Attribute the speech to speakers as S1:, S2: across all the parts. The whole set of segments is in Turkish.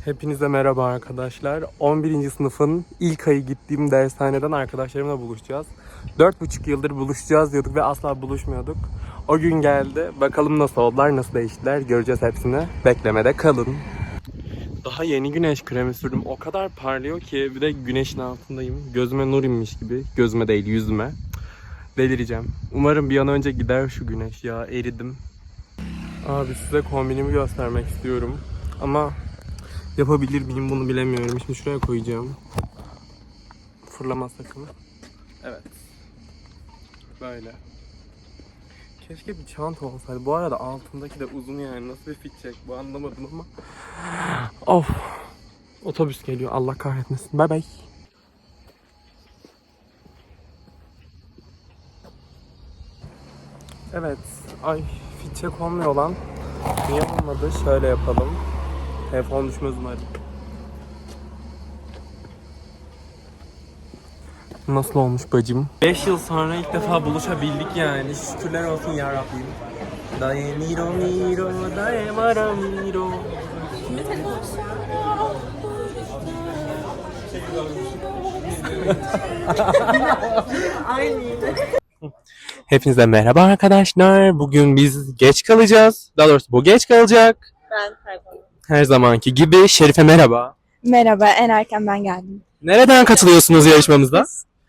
S1: Hepinize merhaba arkadaşlar. 11. sınıfın ilk ayı gittiğim dershaneden arkadaşlarımla buluşacağız. 4,5 yıldır buluşacağız diyorduk ve asla buluşmuyorduk. O gün geldi. Bakalım nasıl oldular, nasıl değiştiler. Göreceğiz hepsini. Beklemede kalın. Daha yeni güneş kremi sürdüm. O kadar parlıyor ki bir de güneşin altındayım. Gözüme nur inmiş gibi. Gözüme değil, yüzüme. Delireceğim. Umarım bir an önce gider şu güneş ya. Eridim. Abi size kombinimi göstermek istiyorum. Ama yapabilir miyim bunu bilemiyorum. Şimdi şuraya koyacağım. Fırlama sakın. Evet. Böyle. Keşke bir çanta olsaydı. Bu arada altındaki de uzun yani. Nasıl bir fit check bu anlamadım ama. Of. Otobüs geliyor. Allah kahretmesin. Bay bay. Evet. Ay fit check olmuyor lan. Niye olmadı? Şöyle yapalım. Telefon düşmez umarım. Nasıl olmuş bacım? 5 yıl sonra ilk defa buluşabildik yani. Şükürler olsun ya Rabbim. Daye miro miro, daye mara miro. Kime telefon Hepinize merhaba arkadaşlar. Bugün biz geç kalacağız. Daha doğrusu bu geç kalacak.
S2: Ben kayboldum.
S1: Her zamanki gibi. Şerife merhaba.
S2: Merhaba, en erken ben geldim.
S1: Nereden katılıyorsunuz yarışmamıza?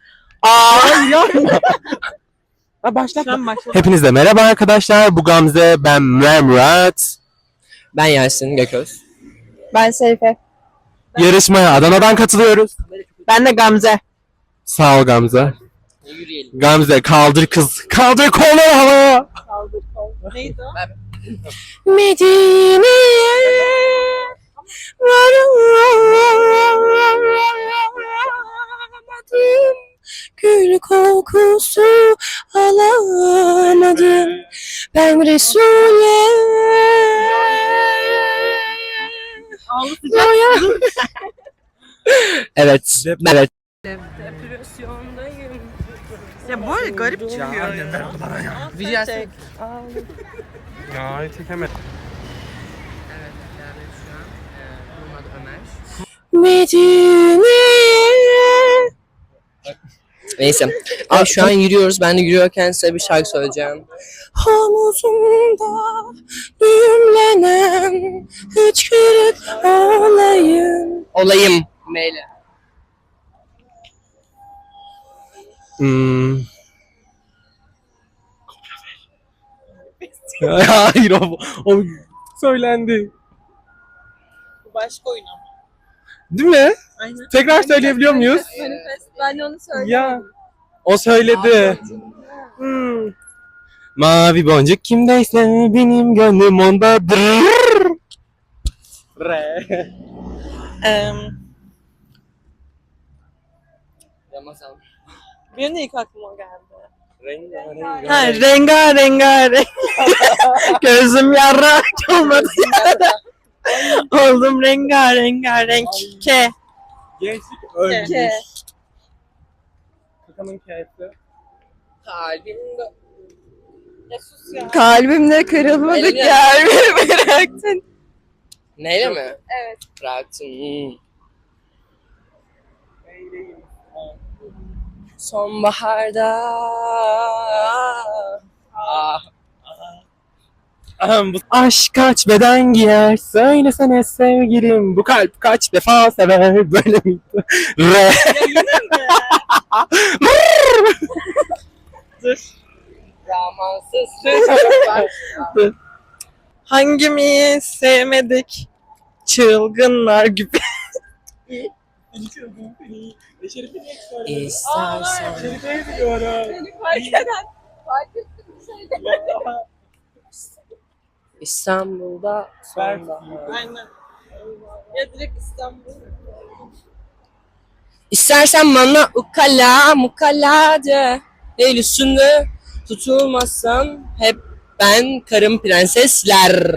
S1: Başlatma. Hepinize merhaba arkadaşlar. Bu Gamze, ben Murat.
S3: Ben Yasin Gököz.
S2: Ben Serife.
S1: Yarışmaya Adana'dan katılıyoruz.
S2: Ben de Gamze.
S1: Sağ ol Gamze.
S3: Yürüyelim.
S1: Gamze kaldır kız. Kaldır kolları havaya.
S2: Kaldır kol. Neydi o?
S1: Medine'ye varamadım. Gül kokusu alamadım. Ben Resul'e Evet. Evet.
S2: Ya böyle garip çıkıyor.
S3: Video
S2: Çek.
S1: Ya çekemedim.
S3: Evet, yani şu an Muhammed Ömer.
S1: Medine'ye.
S3: Neyse. Abi şu an yürüyoruz. Ben de yürüyorken size bir şarkı söyleyeceğim.
S1: Havuzumda düğümlenen hıçkırık olayım.
S3: Olayım. Meyle.
S1: Hayır o söylendi.
S2: Başka oyun ama.
S1: Değil mi?
S2: Aynen.
S1: Tekrar söyleyebiliyor muyuz?
S2: Manifest. Ben de onu söyledim.
S1: Ya o söyledi. Mavi boncuk kimdeyse benim gönlüm ondadır. Re.
S3: Ramazan.
S2: Benim de ilk aklıma geldi.
S1: Rengarenk.
S2: Ha, rengarenk. Gözüm yarrak olmadı ya. Oldum rengarenk. Ke.
S1: Gençlik ölmüş.
S2: Ke.
S1: Kakanın kağıtı.
S3: Kalbimde.
S2: Ya sus ya. Kalbimde kırılmadık
S3: Eline-
S2: yer beni bıraktın.
S3: Neyle mi?
S2: Evet.
S3: Bıraktın. Sonbaharda.
S1: Aşk kaç beden giyer söylesene sevgilim bu kalp kaç defa sever böyle miydi? Re.
S2: Ya yine mi? Dur.
S3: Zamansız.
S2: Hangimiz sevmedik? Çılgınlar gibi.
S3: İstersen.
S2: Beni fark eden. Fark ettim bir şey
S3: İstanbul'da sonbahar.
S2: Aynen. Ya direkt İstanbul.
S3: İstersen bana ukala mukala de. El üstünde tutulmazsan hep ben karım prensesler.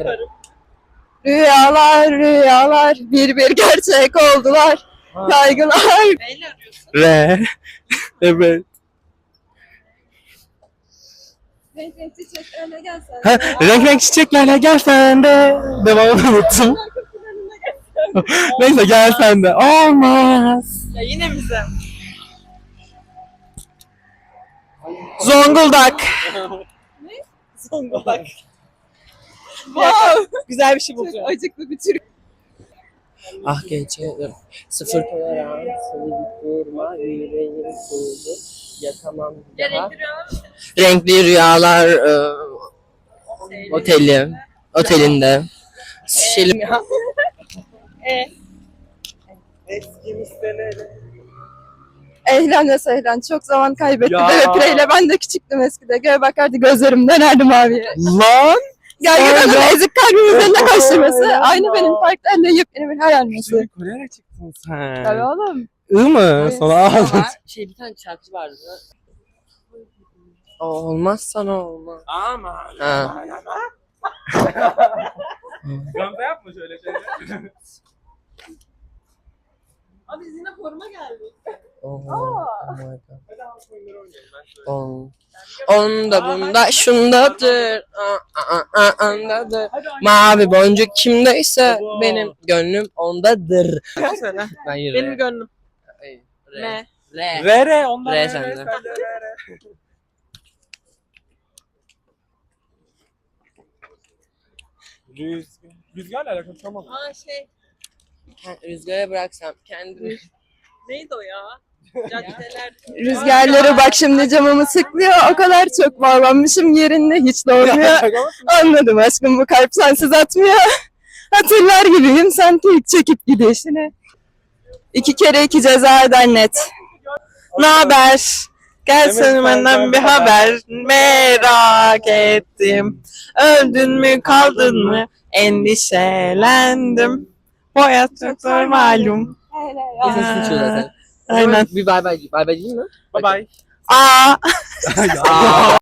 S2: Rüyalar bir gerçek oldular. Kaygılar. Neyle arıyorsun?
S1: Re. Evet.
S2: Renk çiçeklerine gelsen.
S1: Ha, renk renk çiçeklerle gel sen de. Devamını unuttum. Neyse gel sen de. Olmaz.
S2: Ya yine bize. Zonguldak. Ne? Zonguldak. Wow. Güzel bir şey bulacağım. Çok acıklı bir Türk.
S3: Ah gece sıfır tolerans, durma, yüreğim soğudu, yakamam daha. Renkli rüyalar otelinde. Şilim ya.
S1: Eskimiz seneli.
S2: Ehlen ve sehlen. Çok zaman kaybettim.
S1: Ya.
S2: Evet Pireyle ben de küçüktüm eskide. Göğe bakardı gözlerim dönerdi maviye.
S1: Lan!
S2: Gergedanın ezik kalbimin üzerinde koşturması. Aynı benim parklarla yepyeni bir hayalmesi.
S1: Kore'ye çıktın sen.
S2: Tabii oğlum.
S1: I mı? Sana ağzın.
S3: Bir tane şarkıcı vardı. Olmaz sana olmaz.
S1: Ama.
S3: Ha.
S1: Gamze yapma şöyle şeyler.
S2: Abi biz yine foruma geldik.
S3: Oh my God. Onda bunda şundadır. Andadır. Mavi boncuk kimdeyse benim gönlüm ondadır. Ben yürü.
S2: Benim gönlüm.
S3: R.
S2: Ne?
S3: R.
S1: Re ondan
S3: Re
S1: re,
S3: sende.
S1: re, re. Rüzgarla alakalı tamam.
S2: Aa şey.
S3: Rüzgara bıraksam kendimi.
S2: Neydi o ya? Caddeler. Rüzgarları bak şimdi camımı sıklıyor. O kadar çok bağlanmışım yerinde hiç doğmuyor. Anladım aşkım bu kalp sensiz atmıyor. Hatırlar gibiyim sen tek çekip gidişini. 2 kere 2 ceza eder net. Naber? Gelsin benden bir haber. Merak ettim. Öldün mü kaldın mı? Endişelendim. Bu hayat çok zor malum.
S3: Kesin sıçıyor zaten.
S2: Aynen.
S3: Bir bay bay. Bay bay değil mi?
S1: Bye bye.
S2: Aa.
S1: Ya.